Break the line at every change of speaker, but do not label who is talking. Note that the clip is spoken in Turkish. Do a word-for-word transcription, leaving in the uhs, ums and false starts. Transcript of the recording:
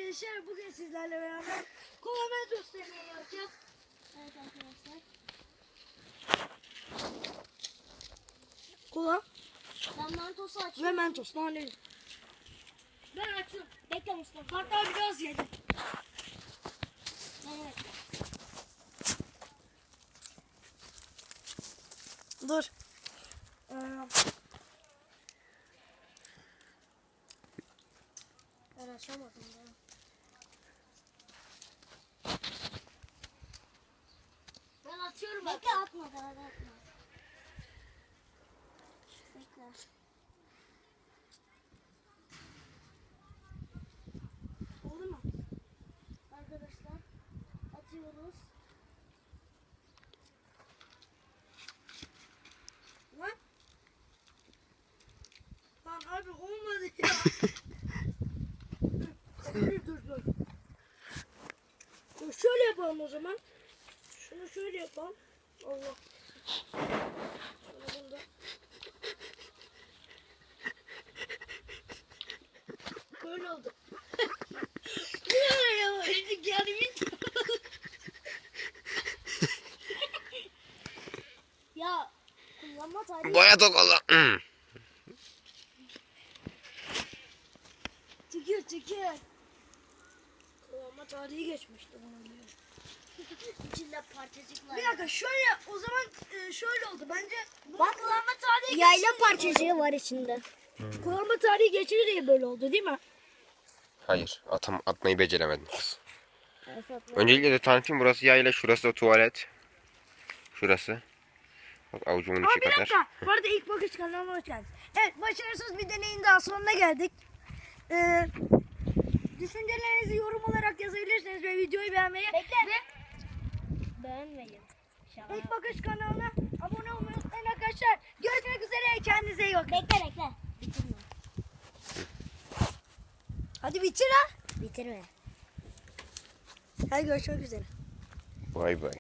arkadaşlar, bugün sizlerle beraber Kola dostlarını yapacağız.
Evet arkadaşlar.
Kola
Ben Mentos'u
ve
açıyorum.
Mentos naneli.
Ben açıyorum. Bekle Mustafa.
Hatta biraz yedim.
Evet.
Dur. Ee,
Ben açamadım ya. Ben açıyorum. Bekle atma daha da atma. Bekle.
oldu mu?
Arkadaşlar atıyoruz.
Lan. Lan abi olmadı ya. dur dur dur. Dur şöyle yapalım o zaman. Şunu şöyle yapalım. Allah. Şunu bunda. Böyle oldu. Ya ya yani bir
Ya kullanma tarihi.
Boya tokola. Hmm.
Çekiyor çekiyor. Ama tarihi geçmişti bana göre.
İçinde parçacıklar.
Bir dakika şöyle o zaman e, şöyle oldu bence.
Bak kullanma tarihi. Yayla parçacığı var içinde.
Kullanma tarihi geçiyor diye böyle oldu değil mi?
Hayır, atam atmayı beceremedim kız. Öncelikle de tanıtayım, burası yayla, şurası da tuvalet. Şurası. Bak avucumun
Ama
içi
bir
kadar.
dakika. Bu arada ilk bakış kanalına hoş geldiniz. Evet, başarısız bir deneyin daha sonuna geldik. Ee, düşüncelerinizi yorum olarak yazabilirsiniz ve videoyu beğenmeyi
Bekle.
ve
Beğenmeyin.
ilk bakış kanalına abone olmayı unutmayın arkadaşlar. Görüşmek üzere, kendinize iyi bakın.
Bekle bekle. Bitirme.
Hadi bitir ha.
Bitirme.
Hadi görüşmek üzere.
Vay vay.